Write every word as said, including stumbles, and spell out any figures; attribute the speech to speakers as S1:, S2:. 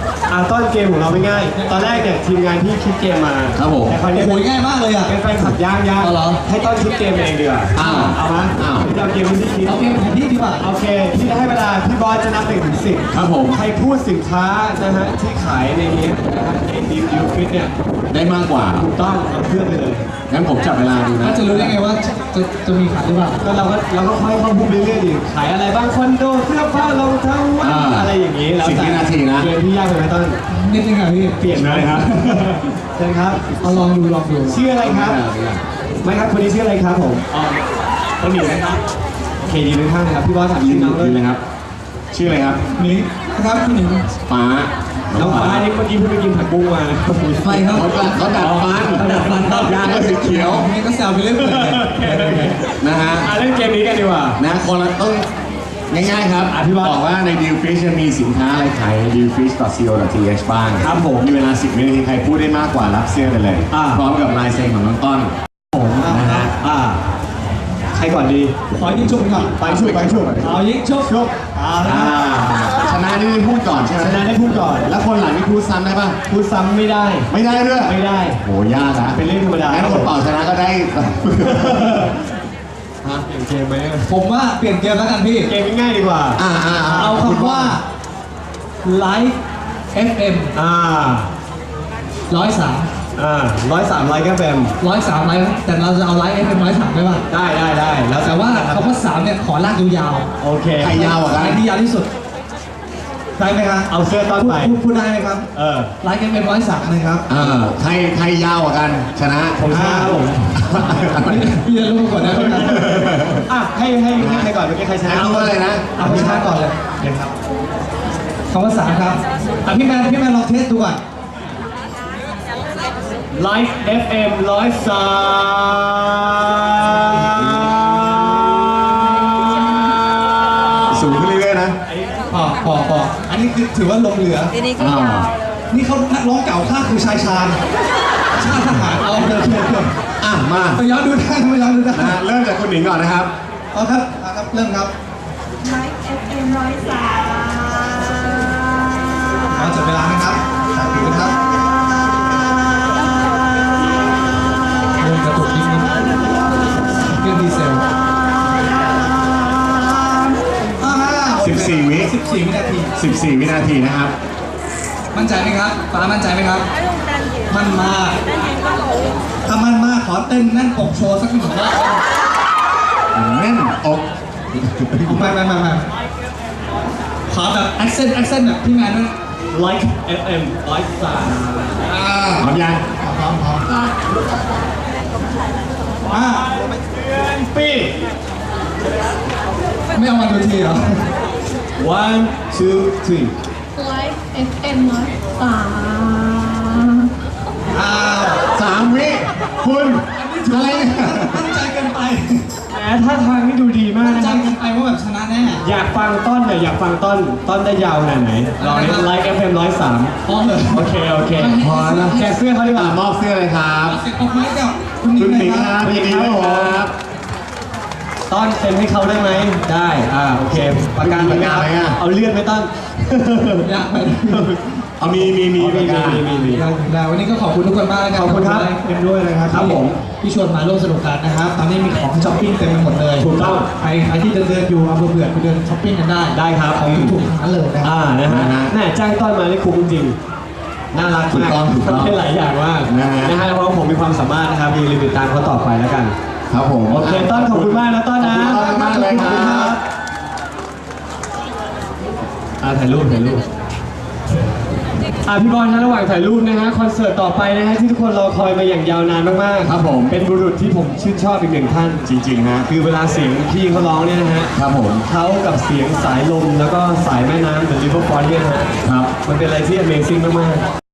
S1: อ่าต้นเกมของเราไม่ง่าย ตอนแรกเนี่ยทีมงานที่คิดเกมมา
S2: ครับผม
S1: แต่คราวนี้
S3: โอ้ยง่ายมากเลยอ่ะ
S1: เป็นแฟนขับย่างย่าง
S3: เอาเหรอ
S1: ให้ต้นคิดเกมเองดีกว่า
S2: อ้าว
S1: เอามา
S2: อ้าว
S1: เราเกมที่คิด
S3: เอาเกมแผนที่ดีกว่า
S1: โอเคที่จะให้เวลาพี่บอสจะนับหนึ่งถึงสิบ
S2: ครับผม
S1: ใครพูดสินค้านะฮะที่ขายในนี้นะฮะในดีมดิวฟิตเนี่ย
S2: ได้มากกว่า
S1: ถูกต้องเอาเพื่อนไปเลย
S2: งั้นผมจับเวลาดูนะ
S3: ถ้าจะรู้ได้ไงว่าจะจะจะมีขายหรือเปล่า
S1: ก็เราก็เราก็ค่อยเข้าพูดเรื่อยๆดิขายอะไรบ้างคอนโดเสื้อผ้ารองเท้าวัด
S2: อ่า
S1: อะไรอย่างนี้แล้ว
S2: สิบ
S1: แต่
S2: วินาทีนะ
S1: เกมที่ยากไปไหมต้น
S3: นิดนึงอ่ะพี่
S1: เปลี่ยนเลยครับ เชิญครับ
S3: เอาลองดูลองดู
S1: ชื่ออะไรครับ ไม่ครับคนนี้ชื่ออะไรครับผมอ๋อต้นหมิวนะครับโอเคยืนข้างๆนะครับพี่บอสถาม
S2: ยื
S1: ชื่
S2: น
S1: อน้อง
S2: ยืน
S1: เล
S2: เลย ยครับ ชื่ออะไรครับ
S3: นี่นะครับพี่หนึ่ง
S2: ฟ้า
S1: น้องฟ้านี่เมื่อกี้เพิ่งไปกินผักบุ้งมา
S3: ไฟครับ
S2: เขาดัดเขาดัดฟัน
S3: เขาดัดฟันครับ
S2: ยางก็สีเขียว
S3: นี่ก็แซวไปเรื่อยเลย
S2: นะฮะ
S1: อ่ะเล่นเกมนี้กันดีกว่า
S2: นะคนละต้องง่ายๆครับ
S1: อธิบาย
S2: บอกว่าใน Deal Fish จะมีสินค้าอะไรขาย ดีลฟิช ดอท ซี โอ ดอท ที เอช บ้าง
S1: ครับผม
S2: มีเวลาสิบวินาทีใครพูดได้มากกว่ารับเสื้อไปเลย
S1: อ่า
S2: พร้อมกับลายเซ็นของน้องต้น
S1: ผมนะฮะอ่าใครก่อนดี
S3: ขอยิงชุบก่อน
S1: ไปชุบไปชุบ
S3: เอายิงชุบ
S1: ชุบอ่า
S2: อ่าชนะนี่ได้พูดก่อนใช่ไหม
S1: ชนะได้พูดก่อน
S2: แล้วคนหลังนี่พูดซ้ำได้ป่ะ
S1: พูดซ้ำไม่ได้
S2: ไม่ได้ด้วย
S1: ไม่ได้
S2: โหยากนะ
S1: เป็นเรื่องธรรมดา
S2: งั้นคนเป่าชนะก็ได้
S1: ฮะเปลี่ยนเกมไหม
S3: ผมว่าเปลี่ยนเกมแล้วกันพี่
S1: เกมง่ายๆดีกว่า
S2: อ่าอ่า
S3: เอาคำว่า Live เอฟ เอ็ม
S1: อ่า
S3: ร้อยสาม
S1: อ่าร้อยสามไลค์แกแฟม
S3: ร้อยสามไลฟ์แต่เราจะเอาไลฟ์เอฟเอ็มร้อยสามได้ป่ะ
S1: ได้ได้ได้แล้ว
S3: แต่ว่าคำว่าสามเนี่ยขอลากยาว
S1: โอเค
S2: ใครยาว
S3: ๆ
S2: อ่ะ
S3: ใค
S2: กั
S3: ร
S2: น
S3: ที่ยาวที่สุดได้ไหมครับ
S1: เอาเสื้อต้อน
S3: พูด
S1: ไป
S3: พูดพูดได้ไหมครับ
S1: เออ
S3: ไลฟ์เอฟเอ็มร้อยสามนะครับ
S2: อ่าใครใครยาวอ่ะกัน ชนะ
S1: ผมชนะครับผม
S3: พี่จะรู้ก่อนนะพี่นะ
S1: อ่ะให้ให้ให้ใครก่อนเมื่อกี้ใครชนะ
S2: เอาอะไรนะ
S3: เอาพี่ชาก่อนเลย
S1: เดี๋ยวครับ
S3: คำว่าสามครับอ่ะพี่แมนพี่แมนลองเทสดูก่อน
S1: ไลฟ์ เอฟ เอ็ม ร้อยสาม
S2: สูงขึ้นเรื่อยๆนะ
S3: พอพอพออันนี้คือถือว่าลงเหลือ
S4: ทีนี้ก็ยาว
S3: นี่เขานักร้องเก่าข้าคือชายชาญชาติทหารเอาเดินเดินเดิน
S2: อ่ะมา
S3: ไปย้อนดูได้ไปย้อนดูได้
S2: นะเริ่มจากคุณหนิงก่อนนะครับ
S3: เอาครับเอาครับเริ่มครับ
S4: ไลฟ์เอฟเอ็มร้อยสาม
S3: เอาจับเวลานะครับจับผิวนะครับเริ่มกระตุกนิดนึงเครื่องดีเซลอ่า
S2: สิบสี่วิ
S3: สิบสี่วินาที
S2: สิบสี่วินาทีนะครับ
S3: มั่นใจไหมครับฟ้ามั่นใจไหมครับ
S4: ไอ้ลุงดันเย็น
S3: มั่นมาก
S4: ดันเย็นก็รู้
S3: ถ้ามั่นมากขอเต้นแน่นอกโชว์สักหนึ่งรอบ
S2: แน่นอก
S3: ไม่ไม่ไม่ไม่ขอแบบแอคเซนต์แอคเซนต์แบบพี่แมนนะ
S1: ไลฟ์ เอฟ เอ็ม ร้อยสาม
S3: อ่า
S2: พร้อมยัง
S3: พร้อมพร้อมอ่า
S1: ปี
S3: ไม่เอามาดูทีเหรอ
S1: one two three
S4: ไลฟ์เอฟเอ็มร้อยสาม
S3: อ้าว
S2: สามวิคุณอะไรเนี่ย
S3: มั่นใจเกินไป
S1: แหมท่าทางนี่ดูดีมาก
S3: มั่น
S1: นะ
S3: ใจ
S1: ครับ
S3: เกินไปว่าแบบชนะแน่
S1: อยากฟังต้นเนี่ยอยากฟังต้นต้นได้ยาวขนาดไหนลองไลฟ์ เอฟ เอ็ม ร้อยสาม
S3: พร้อมเลย
S1: โอเคโอเค
S2: พอแล้ว
S1: แจกเสื้อเขาดีก
S2: อ่ะ
S1: ว่าม
S2: อบเสื้อเลยครับ
S3: เสียงปรบมือให้กับคุณหนิ
S2: คุ
S3: ง
S2: ณ
S3: ห
S2: ห
S3: น่
S2: นิ
S3: อง ย
S2: ค
S3: ค
S2: รั
S3: รั
S2: บบ ยินดีด้วยครับ
S1: ต้นเซ็นให้เขาได้ไหมได้อ่าโอเคประกัน
S2: ประกันอะไรอ่ะ
S1: เอาเลื่อนไหมต้น
S3: อยากไป
S2: เอามีมีมี
S1: มี
S2: ประกาศ
S1: มีมีมี
S3: ได้แล้ววันนี้ก็ขอบคุณทุกคนมากนะครับ
S1: ขอบคุณครับเอ็มด้วยนะครับ
S3: ครับผมที่ชวนมาร่วมสนุกกันนะครับ ตอนนี้มีของช้อปปิ้งเต็มไปหมดเลย
S1: ถูกต้อง
S3: ใครใครที่เดินเดินๆอยู่อำเภอเบื่อไปเดินช้อปปิ้งกันได้
S1: ได้ครับ
S3: ของถูกๆทั้งนั้นเลยนะค
S1: อ่า
S3: รับ
S1: นะฮะ
S2: นะฮะ
S1: แม่จ้างต้นมานี่คุ้มจริงน่ารัก
S2: ถูก
S1: มาก
S2: ต้องถูกต้อง
S1: ทำได้หลายอย่างมาก
S2: นะฮะ
S1: นะฮะเพราะว่าผมมีความสามารถนะครับมีลิมิตตามเขาต่อไปแล้วกัน
S2: ครับผม
S1: โอเคต้นขอบคุณมากนะต้นนะ
S2: ขอบคุณมากเลยครับ
S1: อ่าถ่ายรูปถ่ายรูปอ่ะพี่บอลนะระหว่างถ่ายรูปนะฮะคอนเสิร์ตต่อไปนะฮะที่ทุกคนรอคอยมาอย่างยาวนานมากๆ
S2: ครับผม
S1: เป็นบุรุษที่ผมชื่นชอบอีกหนึ่งท่าน
S2: จริงๆฮะ
S1: คือเวลาเสียงพี่เขาร้องเนี่ยนะฮะ
S2: ครับผม
S1: เขากับเสียงสายลมแล้วก็สายแม่น้ำหรือริเวอร์ฟอนต์เนี่ยนะฮะ
S2: ครับ
S1: มันเป็นอะไรที่ Amazing มากๆ